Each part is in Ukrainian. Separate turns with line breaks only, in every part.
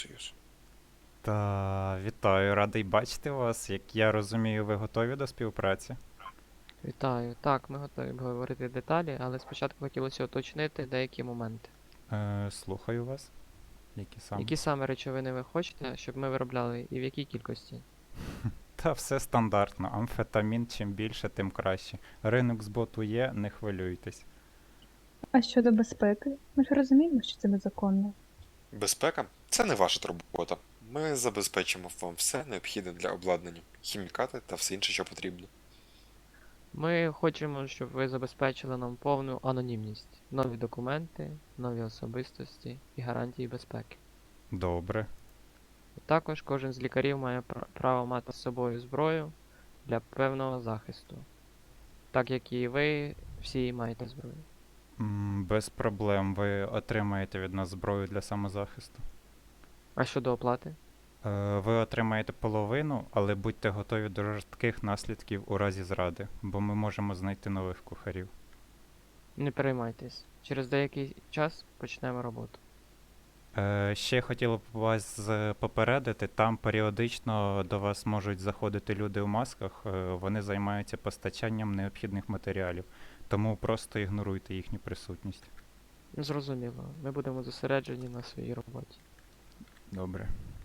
Союз.
Та вітаю, радий бачити вас. Як я розумію, ви готові до співпраці?
Вітаю. Так, ми готові обговорити деталі, але спочатку хотілося уточнити деякі моменти.
Слухаю вас. Які саме?
Які саме речовини ви хочете, щоб ми виробляли, і в якій кількості?
Та все стандартно. Амфетамін чим більше, тим краще. Ринок збуту є, не хвилюйтесь.
А щодо безпеки, ми ж розуміємо, що це незаконно.
Безпека це не ваша робота. Ми забезпечимо вам все необхідне для обладнання, хімікати та все інше, що потрібно.
Ми хочемо, щоб ви забезпечили нам повну анонімність, нові документи, нові особистості і гарантії безпеки.
Добре.
Також кожен з лікарів має право мати з собою зброю для певного захисту. Так як і ви всі маєте зброю.
Без проблем. Ви отримаєте від нас зброю для самозахисту.
А щодо оплати?
Ви отримаєте половину, але будьте готові до жорстких наслідків у разі зради, бо ми можемо знайти нових кухарів.
Не переймайтесь. Через деякий час почнемо роботу.
Ще хотіло б вас попередити, там періодично до вас можуть заходити люди в масках, вони займаються постачанням необхідних матеріалів, тому просто ігноруйте їхню присутність.
Зрозуміло. Ми будемо зосереджені на своїй роботі.
Добре.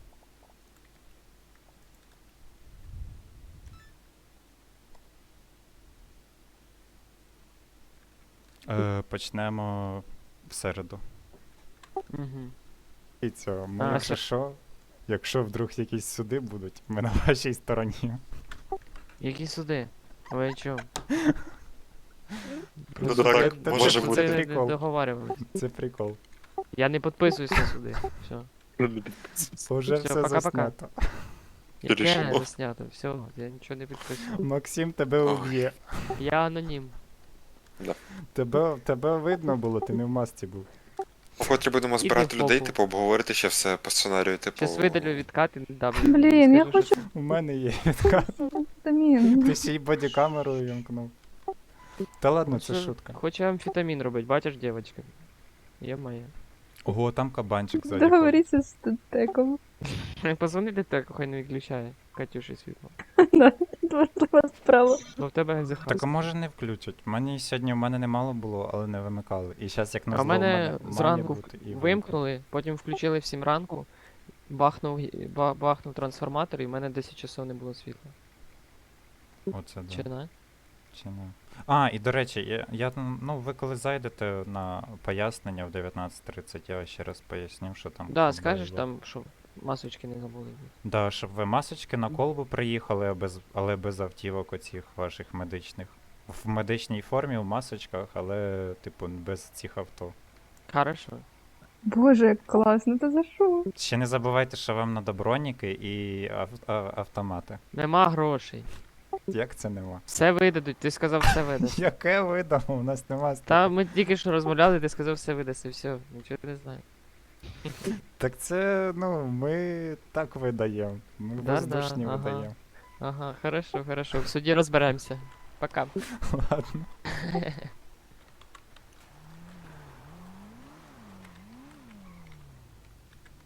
Почнемо в середу.
Угу.
І цього, ми,
А,
якщо
це-
що, якщо вдруг якісь суди будуть, ми на вашій стороні.
Які суди? Ви чому?
Ну
Суди-
так,
ми
може
про
бути.
це не
Прикол.
договарювалися.
Це прикол.
Я не підписуюсь на суди. Все.
Уже
Все,
все
пока-пока.
заснято.
Яке
Рішимо.
заснято? Все, я нічого не підписував.
Максим тебе
Ой.
уб'є.
Я анонім.
Тебе видно було, ти не в масці був.
Вкотре будемо
Іди
збирати
в
людей,
попу.
типу, обговорити ще все по сценарію, типу.
Щас видалю відкат і не дам.
Блін, я
Скажу, що-
У мене є відкат.
Вітамін.
Ти ще й бодікамеру вімкнув. Та ладно, це
Хочу-
шутка.
Хочу амфетамін робити, бачиш, дівчинка? Є моя.
Ого, там кабанчик ззаді.
Договоріться з статеком.
Позвони детеку, хай не виключає. Катюші світло.
Важлива справа.
Бо в тебе
Так а
захист.
може не включать? Мені сьогодні в мене немало було, але не вимикали. І зараз як
А
назло
в мене
має
зранку
бути і
вимкнули, потім включили в 7 ранку, бахнув трансформатор, і в мене 10 часов не було світла.
Оце
Чи
да.
не?
Чи не? А, і до речі, ну ви коли зайдете на пояснення в 19:30, я ще раз поясню, що там.
Да,
було.
скажеш там, що масочки не забули.
Да, щоб ви масочки на колбу приїхали, але без автівок оцих ваших медичних. В медичній формі, в масочках, але, типу, без цих авто.
Хорошо.
Боже, як класно, та за що?
Ще не забувайте, що вам надо броніки і автомати.
Нема грошей.
Як це нема?
Все видадуть, ти сказав, все видасть.
Яке видамо? У нас нема
Та
стільки.
ми тільки що розмовляли, ти сказав, все видасть, і все, нічого не знаю.
Так це, ну, ми так видаємо. Ми
Да-да,
воздушні
ага.
видаємо.
Ага, хорошо, хорошо. В суді розберемося. Пока.
Ладно.